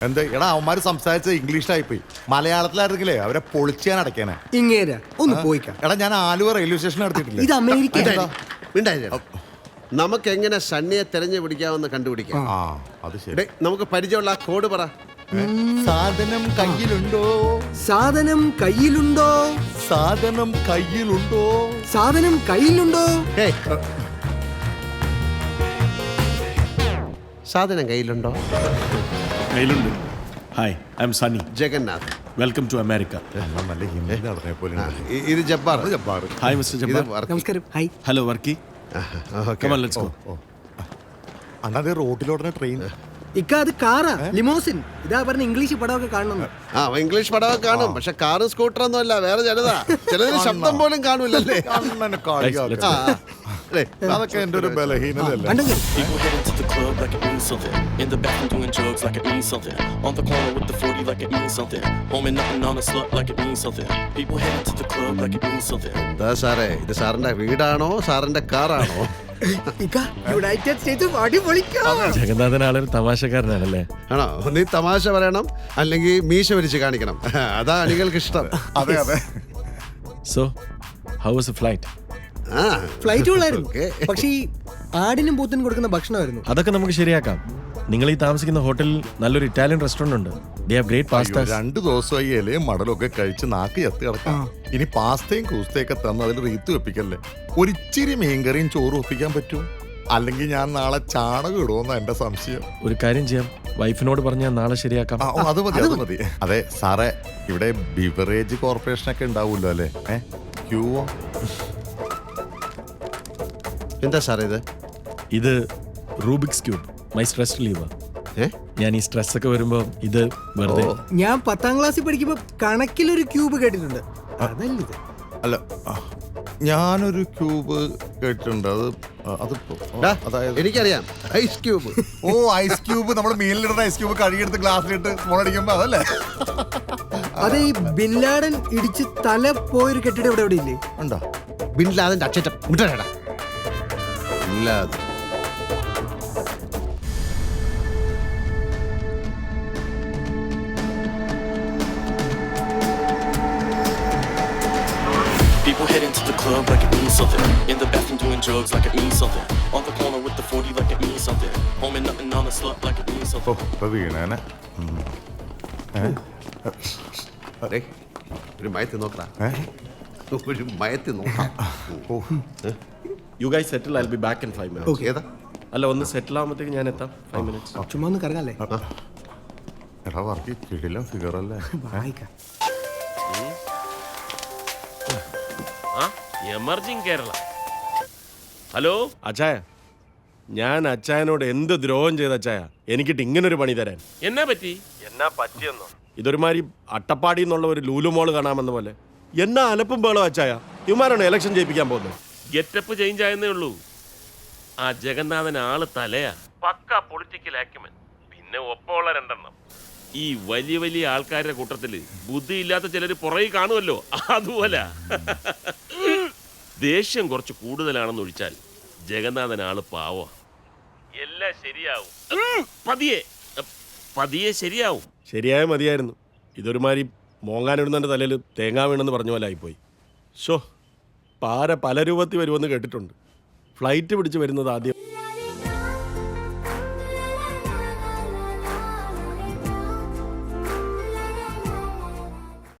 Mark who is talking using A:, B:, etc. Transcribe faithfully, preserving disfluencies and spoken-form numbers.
A: എന്താ എടാ അവന്മാര് സംസാരിച്ച ഇംഗ്ലീഷിലായി പോയി. മലയാളത്തിലായിരുന്നെങ്കിലേ അവരെ പൊളിച്ചാൻ അടയ്ക്കാനാ.
B: ഇങ്ങേരാ ഒന്ന് പോയിക്കാം.
A: എടാ ഞാൻ ആലുവ റെയിൽവേ സ്റ്റേഷൻ നടത്തിയിട്ടില്ല.
B: ഇത് അമേരിക്ക.
C: നമുക്ക് എങ്ങനെ സണ്ണിയെ തെരഞ്ഞു പിടിക്കാമെന്ന് കണ്ടുപിടിക്കാം.
A: ആ അത് ശരി.
C: നമുക്ക് പരിചയമുള്ള ആ കോഡ് പറ.
A: സാധനം കയ്യിലുണ്ടോ?
B: സാധനം കയ്യിലുണ്ടോ?
A: സാധനം കയ്യിലുണ്ടോ?
B: സാധനം കയ്യിലുണ്ടോ?
C: സാധനം കയ്യിലുണ്ടോ?
D: കയ്യിലുണ്ട്. Hi, I'm Sunny.
C: Jagannath.
D: Welcome to America.
A: നല്ല ഹിന്ദി നടന്നെ പോലെ.
C: ഇത് ജബ്ബാർ.
A: ജബ്ബാർ.
D: Hi mister Jabbar.
B: നമസ്കാരം. Hi.
D: Hello Varkey. Come on, let's go.
A: അണ്ണാ അത് റോഡിലോടനെ ട്രെയിൻ.
B: ഇക്ക അത് കാറാ, ലിമോസിൻ. ഇതാ പറഞ്ഞ ഇംഗ്ലീഷ് പടമൊക്കെ കാണണം.
C: ആ ഇംഗ്ലീഷ് പടമൊക്കെ കാണും, പക്ഷെ കാറും സ്കൂട്ടറൊന്നും അല്ല, വേറെ ചിലതാ. ചിലതിന് ശബ്ദം പോലും കാണൂലല്ലേ.
A: അതൊക്കെ എന്റെ ഒരു ബലഹീനതല്ലേ.
E: People heading to the club like it means something. In the bathroom doing drugs like it means something. On the corner with the forty like it means something. Home and nothing on a slut like it means something. People heading to the club like it means something.
C: എന്താ സാറേ, ഇത് സാറിന്റെ വീടാണോ സാറിന്റെ കാറാണോ?
B: ഇക്ക United States അടിപൊളിക്കാം.
D: Jagannathan ആളൊരു തമാശക്കാരനാണല്ലേ?
C: ആണോ? നീ തമാശ പറയണം, അല്ലെങ്കിൽ മീശ വരിച്ച് കാണിക്കണം. അതാ അണികൾക്ക് ഇഷ്ടം.
A: അതെ അതെ.
D: So how was the flight?
C: ആ
B: ഫ്ലൈറ്റ് ഉള്ളായിരുന്നു, പക്ഷേ ഈ ആടിനും പൂത്തിനും കൊടുക്കുന്ന ഭക്ഷണമായിരുന്നു.
D: അതൊക്കെ നമുക്ക് ശരിയാക്കാം. നിങ്ങൾ ഈ താമസിക്കുന്ന ഹോട്ടലിൽ നല്ലൊരു ഇറ്റാലിയൻ റെസ്റ്റോറന്റ് ഉണ്ട്. They have great pasta.
A: രണ്ടു ദിവസമായി ഇലയും മടലും ഒക്കെ കഴിച്ച് നാക്ക് ചത്ത് കിടക്കാം. ഇനി പാസ്തയും കൂസ്തയൊക്കെ തന്ന് അതിൽ റീത്ത് വെപ്പിക്കല്ലേ. ഒരിച്ചിരി മീൻകറിയും ചോറും ഒപ്പിക്കാൻ പറ്റും. അല്ലെങ്കിൽ ഞാൻ നാളെ ചാണകം ഇടുമെന്ന എന്റെ സംശയം.
D: ഒരു കാര്യം ചെയ്യാം, വൈഫിനോട് പറഞ്ഞാൽ നാളെ ശരിയാക്കാം.
A: അത് മതി അത് മതി. അതെ സാറേ, ഇവിടെ ബിവറേജ് കോർപ്പറേഷൻ ഒക്കെ ഉണ്ടാവുമല്ലോ അല്ലേ? ഏഹ് ക്യൂവോ?
C: എന്താ സാറേ ഇത്?
D: ഇത് Rubik's cube. My stress reliever. ഞാൻ ഈ സ്ട്രെസ് ഒക്കെ വരുമ്പോ ഇത് വെറുതെ.
B: ഞാൻ പത്താം ക്ലാസ്സിൽ പഠിക്കുമ്പോ കണക്കിലൊരു ക്യൂബ് കേട്ടിട്ടുണ്ട്. അതല്ല
A: അല്ല, ഞാനൊരു ക്യൂബ് കേട്ടിട്ടുണ്ട്. അത് അത്
C: അതായത് എനിക്കറിയാം, ഐസ് ക്യൂബ്.
A: ഓ ഐസ് ക്യൂബ്. നമ്മൾ മീനിലിടുന്ന ഐസ് ക്യൂബ് കഴുകിയെടുത്ത് ഗ്ലാസ്സിലിട്ട് മോളടിക്കുമ്പോ അതല്ലേ?
B: അതെ, ഈ ബിൻ ലാഡൻ ഇടിച്ച് തല പോയൊരു കെട്ടിടം ഇവിടെ എവിടെ ഇല്ലേ?
A: ഉണ്ടോ?
C: ബിൻ ലാദന്റെ അച്ചറ്റം വിട്ടേടാ. ഇല്ലാതെ
E: People heading to the club like it means something. In the bathroom doing drugs like it means something. On the corner with the forty like it means something. Home and nothing on a slut like it means something.
A: ഇപ്പൊ വീണേനെ.
C: ഒരു മയത്തി നോക്കാം. ഒരു മയത്തി നോക്കാം.
D: You guys settle. I will be back in five minutes.
C: ഏതാ?
D: അല്ല, ഒന്ന് സെറ്റിൽ ആവുമ്പോഴത്തേക്ക് ഞാൻ എത്താം. Five minutes.
B: ചുമ്മാ ഒന്ന് കറങ്ങല്ലേ.
A: എടാ വർക്ക് കിടിലം ഫിഗർ അല്ലേ?
F: എമർജിങ് കേരള. ഹലോ
D: അച്ചായ, ഞാൻ അച്ചായനോട് എന്ത് ദ്രോഹം ചെയ്ത അച്ചായ എനിക്കിട്ട് ഇങ്ങനൊരു പണി തരാൻ?
F: എന്നാ പറ്റി?
D: എന്നാ പറ്റിയെന്നോ? ഇതൊരുമാതിരി അട്ടപ്പാടി എന്നുള്ള ഒരു ലൂലുമോള് കാണാമെന്ന പോലെ എന്നാ അലപ്പും ബേളോ അച്ചായ. ഇവന്മാരാണ് ഇലക്ഷൻ ജയിപ്പിക്കാൻ പോകുന്നത്.
F: ഗെറ്റപ്പ് ചേഞ്ച് ആയെന്നേ ഉള്ളൂ. ആ ജഗന്നാഥൻ ആള് തലയാ, പക്ക പൊളിറ്റിക്കൽ ആക്യുമൻ. പിന്നെ ഒപ്പമുള്ള രണ്ടെണ്ണം. ഈ വലിയ വലിയ ആൾക്കാരുടെ കൂട്ടത്തില് ബുദ്ധിയില്ലാത്ത ചിലര് പുറകെ കാണുമല്ലോ, അതുപോലെ. ദേഷ്യം കുറച്ച് കൂടുതലാണെന്ന് ഒഴിച്ചാൽ ജഗന്നാഥൻ ആള് പാവ. എല്ലാം ശരിയാവും, പതിയെ പതിയെ ശരിയാവും.
D: ശരിയായ മതിയായിരുന്നു. ഇതൊരുമാതിരി മോങ്ങാനിടുന്നതിൻ്റെ തലയിൽ തേങ്ങാ വീണെന്ന് പറഞ്ഞ പോലെ ആയിപ്പോയി. ഷോ, പാര പല രൂപത്തിൽ വരുമെന്ന് കേട്ടിട്ടുണ്ട്. ഫ്ലൈറ്റ് പിടിച്ച് വരുന്നത് ആദ്യം